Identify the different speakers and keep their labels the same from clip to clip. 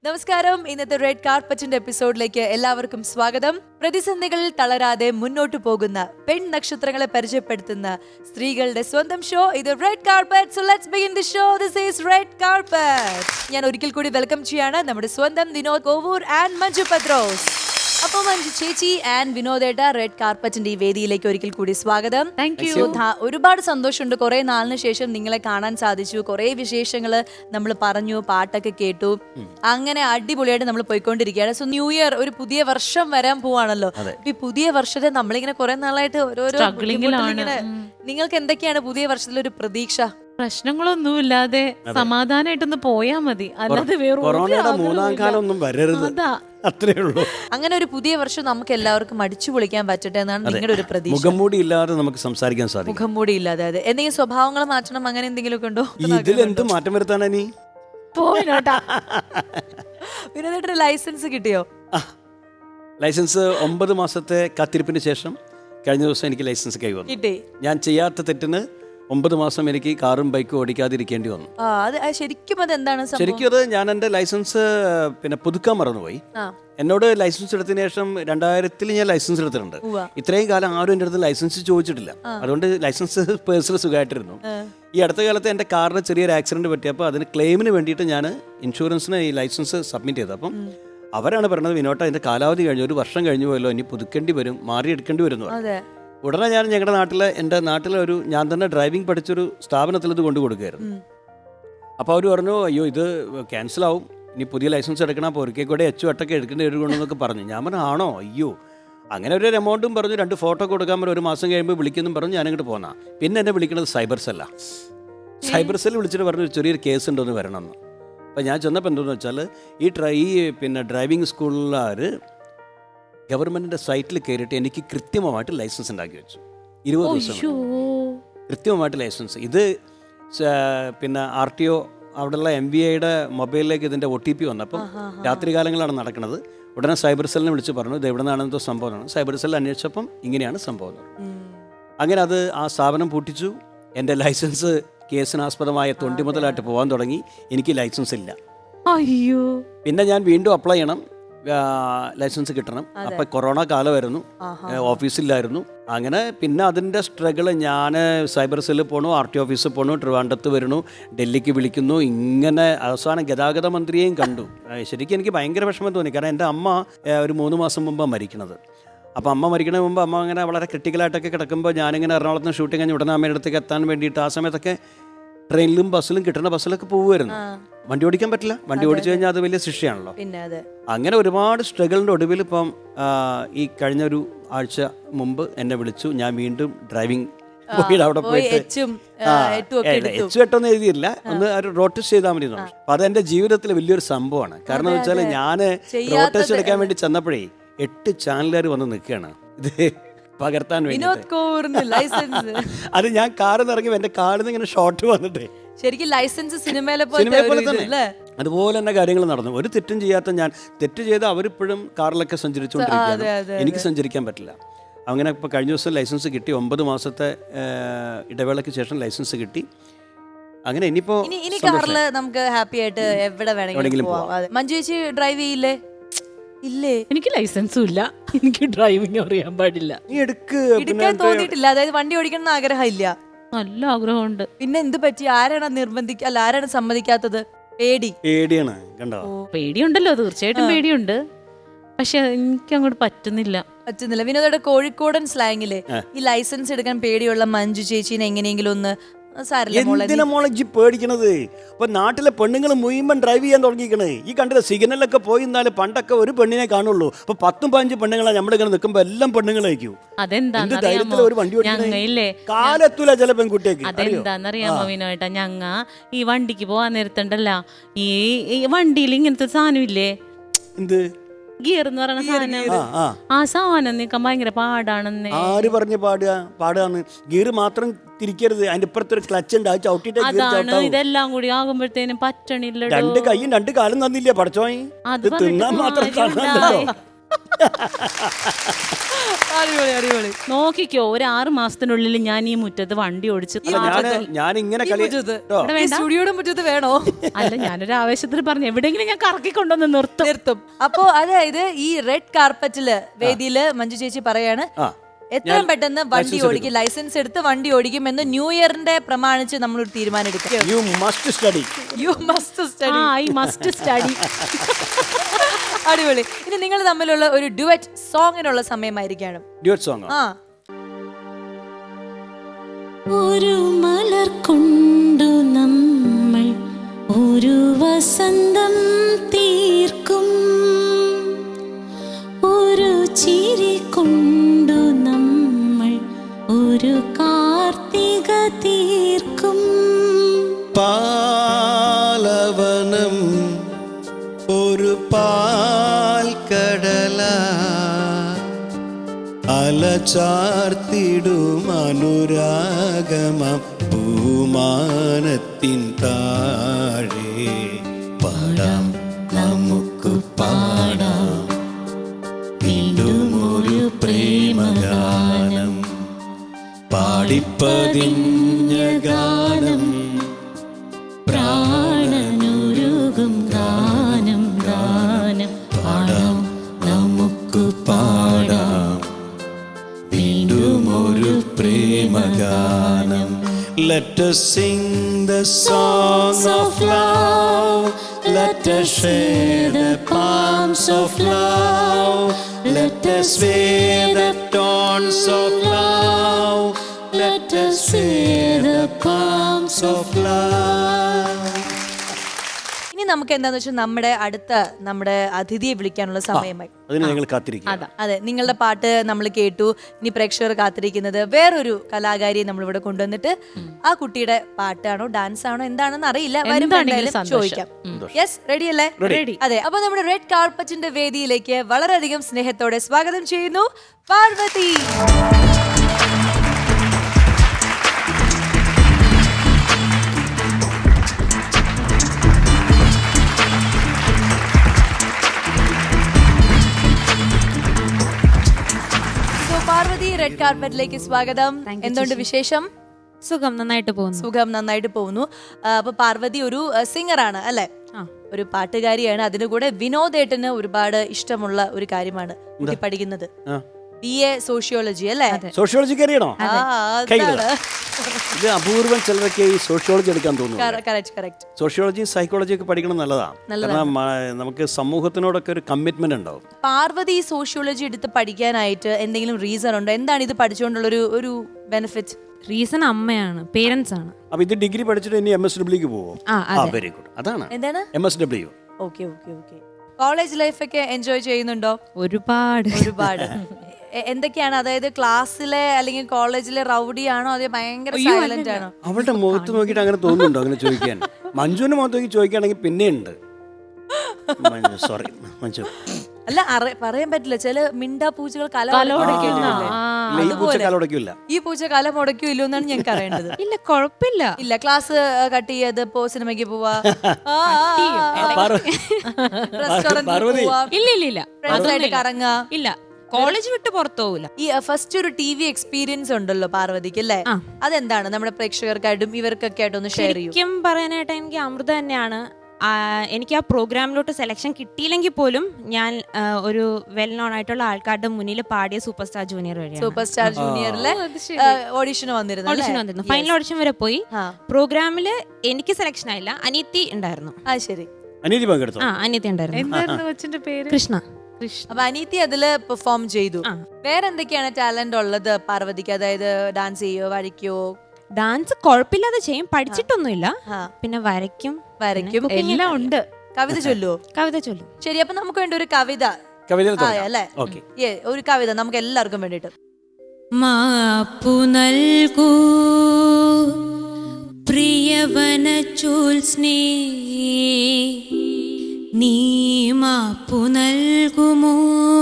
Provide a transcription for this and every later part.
Speaker 1: നമസ്കാരം. ഇന്നത്തെ റെഡ് കാർപ്പറ്റിന്റെ എപ്പിസോഡിലേക്ക് എല്ലാവർക്കും സ്വാഗതം. പ്രതിസന്ധികളിൽ തളരാതെ മുന്നോട്ടു പോകുന്ന പെൺ നക്ഷത്രങ്ങളെ പരിചയപ്പെടുത്തുന്ന സ്ത്രീകളുടെ സ്വന്തം ഷോ ഇത് red carpet. So let's begin the show. This is red carpet. ഞാൻ ഒരിക്കൽ കൂടി വെൽക്കം ചെയ്യാണ് നമ്മുടെ സ്വന്തം വിനോദ് കോവൂർ ആൻഡ് മഞ്ജു പത്രോസ്. അപ്പോൾ മഞ്ജു ചേച്ചി ആൻഡ് വിനോദേട്ട, റെഡ് കാർപ്പറ്റിന്റെ ഈ വേദിയിലേക്ക് ഒരിക്കൽ കൂടി സ്വാഗതം. Thank you. ഒരുപാട് സന്തോഷമുണ്ട്, കുറെ നാളിന് ശേഷം നിങ്ങളെ കാണാൻ സാധിച്ചു. കുറെ വിശേഷങ്ങള് നമ്മൾ പറഞ്ഞു, പാട്ടൊക്കെ കേട്ടു. അങ്ങനെ അടിപൊളിയായിട്ട് നമ്മൾ പോയിക്കൊണ്ടിരിക്കുകയാണ്. സോ ന്യൂ ഇയർ, ഒരു പുതിയ വർഷം വരാൻ പോവാണല്ലോ. ഈ പുതിയ വർഷത്തെ നമ്മളിങ്ങനെ കുറെ നാളായിട്ട് ഓരോരോ നിങ്ങൾക്ക് എന്തൊക്കെയാണ് പുതിയ വർഷത്തിലൊരു പ്രതീക്ഷ?
Speaker 2: പ്രശ്നങ്ങളൊന്നുമില്ലാതെ സമാധാനമായിട്ടൊന്ന് പോയാ മതി, അല്ലാതെ
Speaker 3: കൊറോണയുടെ മൂന്നാം കാലം ഒന്നും വരരുത്, അത്രേ ഉള്ളൂ.
Speaker 1: അങ്ങനെ ഒരു പുതിയ വർഷം നമുക്ക് എല്ലാവർക്കും അടിച്ചു പൊളിക്കാൻ പറ്റട്ടെ എന്നാണ് നിങ്ങളുടെ ഒരു പ്രതീക്ഷ.
Speaker 3: മുഖംമൂടി ഇല്ലാതെ നമുക്ക് സംസാരിക്കാൻ സാധിക്കും.
Speaker 1: മുഖംമൂടി ഇല്ലാതെ അതെ. എന്തെങ്കിലും സ്വഭാവങ്ങൾ മാറ്റണം, അങ്ങനെ എന്തെങ്കിലും ഒക്കെ ഉണ്ടോ?
Speaker 3: ഇതിലെന്ത് മാറ്റം വരുത്താനാ നീ?
Speaker 1: വിനോദേട്ടന് ലൈസൻസ് കിട്ടിയോ?
Speaker 3: ലൈസൻസ് 9 മാസത്തെ കാത്തിരിപ്പിന് ശേഷം കഴിഞ്ഞ ദിവസം എനിക്ക് ലൈസൻസ് കൈവന്നു.
Speaker 1: കിട്ടി.
Speaker 3: ഞാൻ ചെയ്യാത്ത തെറ്റിന് 9 മാസം എനിക്ക് കാറും ബൈക്കും ഓടിക്കാതിരിക്കേണ്ടി വന്നു.
Speaker 1: ശരിക്കും അതെന്താണ്?
Speaker 3: ശരിക്കും അത് ഞാൻ എൻ്റെ ലൈസൻസ് പുതുക്കാൻ മറന്നുപോയി. എന്നോട് ലൈസൻസ് എടുത്തതിന് ശേഷം 2000 ഞാൻ ലൈസൻസ് എടുത്തിട്ടുണ്ട്. ഇത്രയും കാലം ആരും എൻ്റെ അടുത്ത് ലൈസൻസ് ചോദിച്ചിട്ടില്ല. അതുകൊണ്ട് ലൈസൻസ് പേഴ്സണൽ സുഖമായിട്ടിരുന്നു. ഈ അടുത്ത കാലത്ത് എൻ്റെ കാറിന് ചെറിയൊരു ആക്സിഡന്റ് പറ്റിയപ്പോൾ അതിന് ക്ലെയിമിന് വേണ്ടിയിട്ട് ഞാൻ ഇൻഷുറൻസിന് ഈ ലൈസൻസ് സബ്മിറ്റ് ചെയ്തു. അപ്പം അവരാണ് പറഞ്ഞത്, വിനോട്ട അതിൻ്റെ കാലാവധി കഴിഞ്ഞു, 1 വർഷം കഴിഞ്ഞു പോയല്ലോ, ഇനി പുതുക്കേണ്ടി വരും, മാറിയെടുക്കേണ്ടി വരും. ഉടനെ ഞാൻ ഞങ്ങളുടെ എൻ്റെ നാട്ടിലെ ഞാൻ തന്നെ ഡ്രൈവിംഗ് പഠിച്ചൊരു സ്ഥാപനത്തിൽ ഇത് കൊണ്ടു കൊടുക്കുകയായിരുന്നു. അപ്പോൾ അവർ പറഞ്ഞു, അയ്യോ ഇത് ക്യാൻസലാവും, ഇനി പുതിയ ലൈസൻസ് എടുക്കണം, അപ്പോൾ ഒരിക്കൽ കൂടെ H8 എടുക്കേണ്ടി വരുമെന്നൊക്കെ പറഞ്ഞു. ഞാൻ പറഞ്ഞു ആണോ, അയ്യോ. അങ്ങനെ ഒരു എമൗണ്ടും പറഞ്ഞു, 2 ഫോട്ടോ കൊടുക്കാൻ പറഞ്ഞു, 1 മാസം കഴിയുമ്പോൾ വിളിക്കുന്നു പറഞ്ഞു. ഞാനിങ്ങോട്ട് പോന്നാ. പിന്നെ എന്നെ വിളിക്കുന്നത് സൈബർ സെല്ലാണ്. സൈബർ സെല്ല് വിളിച്ചിട്ട് പറഞ്ഞു ചെറിയൊരു കേസ് ഉണ്ടോന്ന് വരണമെന്ന്. അപ്പോൾ ഞാൻ ചെന്നപ്പോൾ എന്താണെന്ന് വെച്ചാൽ ഈ ഡ്രൈവിംഗ് സ്കൂളുകാർ ഗവൺമെൻറ്റിൻ്റെ സൈറ്റിൽ കയറിയിട്ട് എനിക്ക് കൃത്യമായിട്ട് ലൈസൻസ് ഉണ്ടാക്കി വെച്ചു. 20 ദിവസം കൃത്യമായിട്ട് ലൈസൻസ്. ഇത് RTO അവിടെയുള്ള MVAയുടെ മൊബൈലിലേക്ക് ഇതിൻ്റെ OTP വന്നപ്പം രാത്രികാലങ്ങളാണ് നടക്കുന്നത്. ഉടനെ സൈബർ സെല്ലിനെ വിളിച്ച് പറഞ്ഞു ഇത് എവിടെ നിന്നാണെന്നോ സംഭവമാണ്. സൈബർ സെല്ലിൽ അന്വേഷിച്ചപ്പം ഇങ്ങനെയാണ് സംഭവം. അങ്ങനെ ആ സ്ഥാപനം പൂട്ടിച്ചു. എൻ്റെ ലൈസൻസ് കേസിനാസ്പദമായ തൊണ്ടി മുതലായിട്ട് പോകാൻ തുടങ്ങി. എനിക്ക് ലൈസൻസ് ഇല്ല.
Speaker 2: അയ്യോ. പിന്നെ
Speaker 3: ഞാൻ വീണ്ടും അപ്ലൈ ചെയ്യണം, ലൈസൻസ് കിട്ടണം. അപ്പം കൊറോണ കാലമായിരുന്നു, ഓഫീസിലായിരുന്നു. അങ്ങനെ പിന്നെ അതിൻ്റെ സ്ട്രഗിള്, ഞാൻ സൈബർ സെല്ലിൽ പോകണു, RTO ഓഫീസിൽ പോകണു, ട്രിവാൻഡ്രത്ത് വരണു, ഡൽഹിക്ക് വിളിക്കുന്നു. ഇങ്ങനെ അവസാനം ഗതാഗത മന്ത്രിയെയും കണ്ടു. ശരിക്കും എനിക്ക് ഭയങ്കര വിഷമം തോന്നി. കാരണം എൻ്റെ അമ്മ ഒരു 3 മാസം മുമ്പാണ് മരിക്കണത്. അപ്പോൾ അമ്മ മരിക്കണ മുമ്പ് അമ്മ അങ്ങനെ വളരെ ക്രിട്ടിക്കലായിട്ടൊക്കെ കിടക്കുമ്പോൾ ഞാനിങ്ങനെ എറണാകുളത്ത് നിന്ന് ഷൂട്ടിങ് കഴിഞ്ഞ് ഉടനെ അമ്മയുടെ അടുത്തേക്ക് എത്താൻ വേണ്ടിയിട്ട് ആ സമയത്തൊക്കെ ട്രെയിനിലും ബസ്സിലും കിട്ടുന്ന ബസ്സിലൊക്കെ പോകുമായിരുന്നു. വണ്ടി ഓടിക്കാൻ പറ്റില്ല, വണ്ടി ഓടിച്ചു കഴിഞ്ഞാൽ അത് വലിയ ശിക്ഷയാണല്ലോ. അങ്ങനെ ഒരുപാട് സ്ട്രഗിളിൻ്റെ ഒടുവിൽ ഇപ്പം ഈ കഴിഞ്ഞ ഒരു ആഴ്ച മുമ്പ് എന്നെ വിളിച്ചു. ഞാൻ വീണ്ടും ഡ്രൈവിംഗ് അവിടെ പോയിട്ട് H8 എഴുതിയില്ല, ഒന്ന് റോഡ് ടെസ്റ്റ് ചെയ്താൽ മതി. അപ്പം അതെൻ്റെ ജീവിതത്തിൽ വലിയൊരു സംഭവമാണ്. കാരണം എന്ന് വെച്ചാൽ ഞാൻ റോഡ് ടെസ്റ്റ് എടുക്കാൻ വേണ്ടി ചെന്നപ്പോഴേ 8 ചാനലുകാർ വന്ന് നിൽക്കുകയാണ് ഇത് പകർത്താൻ വേണ്ടി. അത് ഞാൻ കാറിൽ നിന്ന് ഇറങ്ങി എൻ്റെ കാറിൽ നിന്ന് ഇങ്ങനെ ഷോട്ട് വന്നിട്ടേ
Speaker 1: ശരിക്കും ലൈസൻസ് സിനിമയിലെ
Speaker 3: പോലെ തന്നെ അതുപോലെ തന്നെ കാര്യങ്ങൾ നടന്നു. ഒരു തെറ്റും ചെയ്യാത്ത ഞാൻ, തെറ്റ് ചെയ്ത് അവരിപ്പോഴും കാറിലൊക്കെ സഞ്ചരിച്ചുകൊണ്ടിരിക്കുകയാണ്, എനിക്ക് സഞ്ചരിക്കാൻ പറ്റില്ല. അങ്ങനെ ഇപ്പോൾ കഴിഞ്ഞ ദിവസം ലൈസൻസ് കിട്ടി. 9 മാസത്തെ ഇടവേളയ്ക്ക് ശേഷം ലൈസൻസ് കിട്ടി. അങ്ങനെ ഇനിയിപ്പോൾ
Speaker 1: കാറിൽ നമുക്ക് ഹാപ്പി ആയിട്ട് എവിടെ വേണമെങ്കിലും പോവാം. മഞ്ജു ചേച്ചി ഡ്രൈവ് ചെയ്യില്ലേ? ഇല്ലേ,
Speaker 2: എനിക്ക് ലൈസൻസും ഇല്ല, എനിക്ക് ഡ്രൈവിംഗ് അറിയാൻ പാടില്ല.
Speaker 1: എടുക്കാൻ തോന്നിയിട്ടില്ല, അതായത് വണ്ടി ഓടിക്കണം എന്ന് ആഗ്രഹം ഇല്ല?
Speaker 2: നല്ല ആഗ്രഹമുണ്ട്.
Speaker 1: പിന്നെ എന്ത് പറ്റി? ആരാണ് ആരാണ് സമ്മതിക്കാത്തത്?
Speaker 3: പേടിയാണ്. കണ്ടോ,
Speaker 2: പേടിയുണ്ടല്ലോ, തീർച്ചയായിട്ടും പേടിയുണ്ട്. പക്ഷെ എനിക്ക് അങ്ങോട്ട് പറ്റുന്നില്ല.
Speaker 1: വിനോദയുടെ കോഴിക്കോടൻ സ്ലാങ്ങില് ഈ ലൈസൻസ് എടുക്കാൻ പേടിയുള്ള മഞ്ജു ചേച്ചീനെ എങ്ങനെയെങ്കിലും ഒന്ന്
Speaker 3: എന്തിനാ മോളജി പേടിക്കണത്? ഇപ്പൊ നാട്ടിലെ പെണ്ണുങ്ങൾ മുഴുവൻ ഡ്രൈവ് ചെയ്യാൻ തുടങ്ങിക്കണേ. ഈ കണ്ടില്ല, സിഗ്നലൊക്കെ പോയി എന്നാലും പണ്ടൊക്കെ ഒരു പെണ്ണിനെ കാണുള്ളൂ. ഇപ്പൊ 10-15 പെണ്ണുങ്ങളാണ് നമ്മളിങ്ങനെ നിൽക്കുമ്പോ എല്ലാം പെണ്ണുങ്ങളായിരിക്കും.
Speaker 2: അതെന്താന്നറിയാമോ,
Speaker 3: കാലെത്തൂല ചില പെൺകുട്ടിയൊക്കെ.
Speaker 2: അതെന്താന്നറിയാമോ വിനോട്ടാ, ഞങ്ങ ഈ വണ്ടിക്ക് പോവാൻ നേരത്തുണ്ടല്ല, ഈ വണ്ടിയിൽ ഇങ്ങനത്തെ സാധനം ഇല്ലേ,
Speaker 3: എന്ത്
Speaker 2: ഗിയർ എന്ന് പറയുന്ന സാധനം, ആ സാധനം നീക്കാൻ ഭയങ്കര പാടാണെന്ന്.
Speaker 3: ആര് പറഞ്ഞ് പാടാന്ന്? ഗിയർ മാത്രം തിരിക്കരുത്, അതിന്റെ ഇപ്പുറത്തൊരു ക്ലച്ച് ഉണ്ട്, അത് ചവിട്ടിട്ട്.
Speaker 2: അതാണ്, ഇതെല്ലാം കൂടി ആകുമ്പോഴത്തേനും പറ്റണില്ല.
Speaker 3: 2 കൈയും 2 കാലും തന്നില്ലേ പഠിച്ചോയി?
Speaker 2: അത്
Speaker 3: തിന്നാൻ മാത്രം കാണാനല്ലോ.
Speaker 1: അടിപൊളി അടിപൊളി.
Speaker 2: നോക്കിക്കോ, ഒരു 6 മാസത്തിനുള്ളിൽ ഞാൻ ഈ മുറ്റത്ത് വണ്ടി ഓടിച്ച്
Speaker 3: ഞാൻ ഇങ്ങനെ
Speaker 1: ഈ മുറ്റത്ത്, ഈ സ്റ്റുഡിയോയുടെ മുറ്റത്ത് വേണോ?
Speaker 2: അല്ല, ഞാനൊരു ആവേശത്തിൽ പറഞ്ഞു എവിടെയെങ്കിലും ഞാൻ കറക്കിക്കൊണ്ടൊന്ന് നിർത്തും.
Speaker 1: അപ്പോ അതായത് ഈ റെഡ് കാർപ്പറ്റില് വേദിയില് മഞ്ജു ചേച്ചി പറയാണ് എത്രയും പെട്ടെന്ന് വണ്ടി ഓടിക്കും, ലൈസൻസ് എടുത്ത് വണ്ടി ഓടിക്കും എന്ന് ന്യൂ ഇയറിന്റെ പ്രമാണിച്ച് നമ്മളൊരു തീരുമാനം എടുക്കാം.
Speaker 3: You must study.
Speaker 2: I must study.
Speaker 1: അടിപൊളി. ഇനി നിങ്ങൾ തമ്മിലുള്ള ഒരു ഡുവറ്റ് സോങ്ങിനുള്ള സമയമായിരിക്കാണ്.
Speaker 3: Duet song.
Speaker 4: ഒരു മലർ കൊണ്ടു നമ്മൾ ഒരു വസന്തം തീർക്കും, ഒരു ചിരി കൊണ്ടു നമ്മൾ ഒരു കാർത്തിക തീർക്കും.
Speaker 5: പാലവനം ഒരു പാൽക്കടല അലചാർത്തിടും അനുരാഗമ പൂമാനത്തിൻ താഴെ പാടാം നമുക്ക് പാടാം വീണ്ടും ഒരു പ്രേമഗാനം, പാടിപ്പതിഞ്ഞ ഗാനം,
Speaker 4: പ്രാണനുരുകും ഗാനം ഗാനം,
Speaker 5: പാടാം നമുക്ക് പാടാം വീണ്ടും ഒരു പ്രേമഗാനം. Let us sing the song of love, let us share the palms of love, let us wear the tones of love, let us share the palms of love.
Speaker 1: ഇനി നമുക്ക് എന്താന്ന് വെച്ചാൽ നമ്മുടെ അതിഥിയെ വിളിക്കാനുള്ള സമയമായി.
Speaker 3: അതിന് ഞങ്ങൾ കാത്തിരിക്കും.
Speaker 1: അതെ, നിങ്ങളുടെ പാട്ട് നമ്മൾ കേട്ടു. ഇനി പ്രേക്ഷകർ കാത്തിരിക്കുന്നത് വേറൊരു കലാകാരിയെ നമ്മൾ ഇവിടെ കൊണ്ടുവന്നിട്ട് ആ കുട്ടിയുടെ പാട്ടാണോ ഡാൻസ് ആണോ എന്താണെന്ന് അറിയില്ല, ചോദിക്കാം. യെസ്, റെഡി അല്ലേ? അതെ, അപ്പൊ നമ്മുടെ റെഡ് കാർപ്പറ്റിന്റെ വേദിയിലേക്ക് വളരെയധികം സ്നേഹത്തോടെ സ്വാഗതം ചെയ്യുന്നു പാർവതി. പാർവതി, റെഡ് കാർപ്പറ്റിലേക്ക് സ്വാഗതം. എന്തുകൊണ്ട് വിശേഷം?
Speaker 6: സുഖം, നന്നായിട്ട് പോകുന്നു.
Speaker 1: സുഖം, നന്നായിട്ട് പോകുന്നു. അപ്പൊ പാർവതി ഒരു സിംഗറാണ് അല്ലെ? ഒരു പാട്ടുകാരിയാണ്. അതിനു കൂടെ വിനോദേട്ടന് ഒരുപാട് ഇഷ്ടമുള്ള ഒരു കാര്യമാണ് പഠിക്കുന്നത്. BA സോഷ്യോളജി അല്ലേ?
Speaker 3: സോഷ്യോളജി അറിയണോ? ഇത് അപൂർവം ചിലരൊക്കെ ഈ സോഷ്യോളജി എടുക്കാൻ തോന്നുന്നു. സോഷ്യോളജി സൈക്കോളജി ഒക്കെ പഠിക്കണം നല്ലതാണ്. കാരണം നമുക്ക് സമൂഹത്തിനോടൊക്കെ ഒരു കമ്മിറ്റ്മെന്റ് ഉണ്ടാവും.
Speaker 1: പാർവതി സോഷ്യോളജി എടുത്ത് പഠിക്കാനായിട്ട് എന്തെങ്കിലും റീസൺ ഉണ്ടോ? എന്താണ് ഇത് പഠിച്ചുകൊണ്ടുള്ള ഒരു ബെനിഫിറ്റ്?
Speaker 6: റീസൺ അമ്മയാണ്, പേരൻസ് ആണ്.
Speaker 3: അപ്പൊ ഇത് ഡിഗ്രി പഠിച്ചിട്ട് ഇനി MSW പോവോ? Very good. അതാണ്
Speaker 1: എന്താണ്
Speaker 3: MSW.
Speaker 1: ഓക്കെ. കോളേജ് ലൈഫ് ഒക്കെ എൻജോയ് ചെയ്യുന്നുണ്ടോ?
Speaker 6: ഒരുപാട്.
Speaker 1: എന്തൊക്കെയാണ്, അതായത് ക്ലാസ്സിലെ അല്ലെങ്കിൽ കോളേജിലെ റൗഡി ആണോ അതോ ഭയങ്കര സൈലന്റ് ആണോ?
Speaker 3: അവളുടെ മുഖത്ത് നോക്കിയിട്ട് അങ്ങനെ തോന്നുന്നുണ്ടോ അങ്ങനെ ചോദിക്കാൻ? മഞ്ജുവിന്റെ മുഖത്ത് നോക്കി ചോദിക്കുകയാണെങ്കിൽ പിന്നെയുണ്ട്. സോറി മഞ്ജു.
Speaker 1: അല്ല, പറയാൻ പറ്റില്ല. ചില മിണ്ടാ പൂച്ചകൾ
Speaker 3: ഈ
Speaker 1: പൂച്ച കല മുടക്കില്ലോ എന്നാണ് ഞങ്ങൾക്ക് അറിയേണ്ടത്.
Speaker 6: ഇല്ല, കുഴപ്പമില്ല.
Speaker 1: ഇല്ല, ക്ലാസ് കട്ട് ചെയ്ത് സിനിമയ്ക്ക് പോവാ, റെസ്റ്റോറന്റിൽ പോവാ,
Speaker 6: ഇല്ല
Speaker 1: ഫ്രണ്ട്സായിട്ട് കറങ്ങാ.
Speaker 6: ഇല്ല, കോളേജ് വിട്ട് പുറത്തു പോവില്ല.
Speaker 1: ഈ ഫസ്റ്റ് ഒരു TV എക്സ്പീരിയൻസ് ഉണ്ടല്ലോ പാർവതിക്ക് അല്ലേ? അതെന്താണ് നമ്മുടെ പ്രേക്ഷകർക്കായിട്ടും ഇവർക്കൊക്കെ ആയിട്ട് ഒന്ന് ഷെയർ ചെയ്യും?
Speaker 6: ശരിക്കും പറയാനായിട്ട് എനിക്ക് അമൃത തന്നെയാണ്. എനിക്ക് ആ പ്രോഗ്രാമിലോട്ട് സെലക്ഷൻ കിട്ടിയില്ലെങ്കിൽ പോലും ഞാൻ ഒരു വെൽ നോൺ ആയിട്ടുള്ള ആൾക്കാരുടെ മുന്നിൽ പാടിയ സൂപ്പർ സ്റ്റാർ ജൂനിയർ വഴിയാണ്.
Speaker 1: സൂപ്പർ സ്റ്റാർ ജൂനിയറിലെ ഓഡിഷൻ വന്നിരുന്നു.
Speaker 6: ഫൈനൽ ഓഡിഷൻ വരെ പോയി. പ്രോഗ്രാമില് എനിക്ക് സെലക്ഷൻ ആയില്ല, അനിയത്തി ഉണ്ടായിരുന്നു.
Speaker 1: ശരി,
Speaker 3: അനിയത്തി പങ്കെടുത്തു.
Speaker 6: അനിയത്തി ഉണ്ടായിരുന്നു. കൃഷ്ണ.
Speaker 1: അപ്പൊ അനിയത്തി അതില് പെർഫോം ചെയ്തു. വേറെ എന്തൊക്കെയാണ് ടാലന്റ് ഉള്ളത് പാർവതിക്ക്? അതായത് ഡാൻസ് ചെയ്യോ, വരയ്ക്കോ?
Speaker 6: ഡാൻസ് കുഴപ്പമില്ലാതെ ചെയ്യും, പഠിച്ചിട്ടൊന്നുമില്ല. പിന്നെ വരയ്ക്കും
Speaker 1: എല്ലാം ഉണ്ട്. കവിത ചൊല്ലുവോ?
Speaker 6: കവിത ചൊല്ലും.
Speaker 1: ശരി, അപ്പൊ നമുക്ക് വേണ്ടി ഒരു കവിത അല്ലേ? ഒരു കവിത നമുക്ക് എല്ലാവർക്കും വേണ്ടിട്ട്.
Speaker 4: മാപ്പു നൽകൂ പ്രിയവന ജ്യോത്സ്നേ, നീ മാപ്പു നൽകുമോ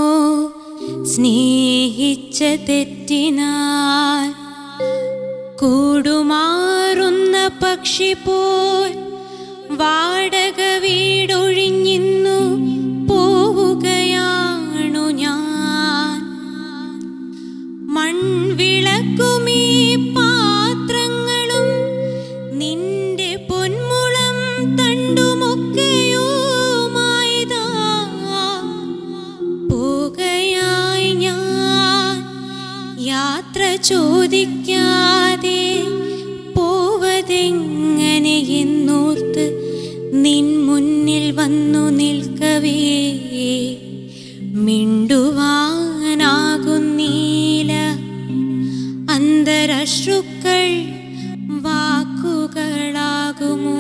Speaker 4: സ്നേഹിച്ച തെറ്റിനാൽ? കൂടുമാറുന്ന പക്ഷി പോൽ വാടക വീടൊഴിഞ്ഞിന്നു പോവുകയാണു ഞാൻ. ചോദിക്കാതെ പോവതെങ്ങനെയെന്നോർത്ത് നിൻ മുന്നിൽ വന്നു നിൽക്കവേ മിണ്ടുവാനാകുന്നീല അന്തരശ്രുക്കൾ വാക്കുകളാകുമോ?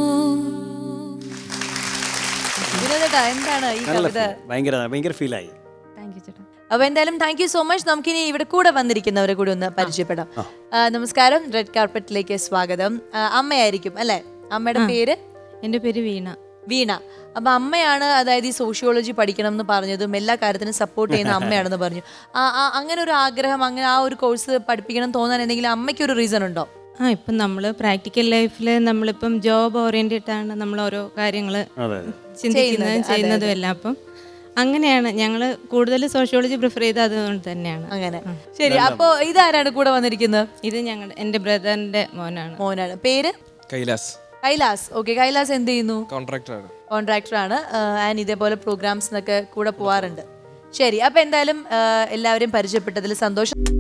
Speaker 1: വിനോദേട്ടാ, എന്താണ് ഈ
Speaker 3: നല്ല
Speaker 1: കവിത?
Speaker 3: feel. ഭയങ്കര ഫീലായി.
Speaker 1: അപ്പൊ എന്തായാലും താങ്ക് യു സോ മച്ച്. നമുക്കിനി ഇവിടെ കൂടെ വന്നിരിക്കുന്നവരെ കൂടി ഒന്ന് പരിചയപ്പെടാം. നമസ്കാരം, റെഡ് കാർപ്പറ്റിലേക്ക് സ്വാഗതം. അമ്മയായിരിക്കും അല്ലെ? അമ്മയുടെ പേര്?
Speaker 6: എൻ്റെ പേര് വീണ.
Speaker 1: വീണ. അപ്പൊ അമ്മയാണ്, അതായത് ഈ സോഷ്യോളജി പഠിക്കണം എന്ന് പറഞ്ഞതും എല്ലാ കാര്യത്തിനും സപ്പോർട്ട് ചെയ്യുന്ന അമ്മയാണെന്ന് പറഞ്ഞു. അങ്ങനെ ഒരു ആഗ്രഹം, അങ്ങനെ ആ ഒരു കോഴ്സ് പഠിപ്പിക്കണം തോന്നാൻ എന്തെങ്കിലും അമ്മയ്ക്ക് ഒരു റീസൺ ഉണ്ടോ?
Speaker 6: ഇപ്പം നമ്മൾ പ്രാക്ടിക്കൽ ലൈഫിൽ നമ്മളിപ്പം ജോബ് ഓറിയന്റഡ് ആണ് നമ്മൾ ഓരോ കാര്യങ്ങൾ ചിന്തിക്കുന്നതും ചെയ്യുന്നതും എല്ലാം. അപ്പം അങ്ങനെയാണ് ഞങ്ങൾ കൂടുതൽ സോഷ്യോളജി പ്രിഫർ ചെയ്ത് അതുകൊണ്ട് തന്നെയാണ്.
Speaker 1: അങ്ങനെ ശരി. അപ്പൊ ഇതാരാണ് കൂടെ വന്നിരിക്കുന്നത്?
Speaker 6: ഇത് എൻ്റെ ബ്രദറിന്റെ മോനാണ്.
Speaker 1: പേര്?
Speaker 7: കൈലാസ്.
Speaker 1: കൈലാസ്. ഓക്കെ, കൈലാസ് എന്ത് ചെയ്യുന്നു?
Speaker 7: കോൺട്രാക്ടർ
Speaker 1: ആണ്. ആൻഡ് ഇതേപോലെ പ്രോഗ്രാംസിനൊക്കെ കൂടെ പോവാറുണ്ട്. ശരി, അപ്പൊ എന്തായാലും എല്ലാവരെയും പരിചയപ്പെട്ടതിൽ സന്തോഷം.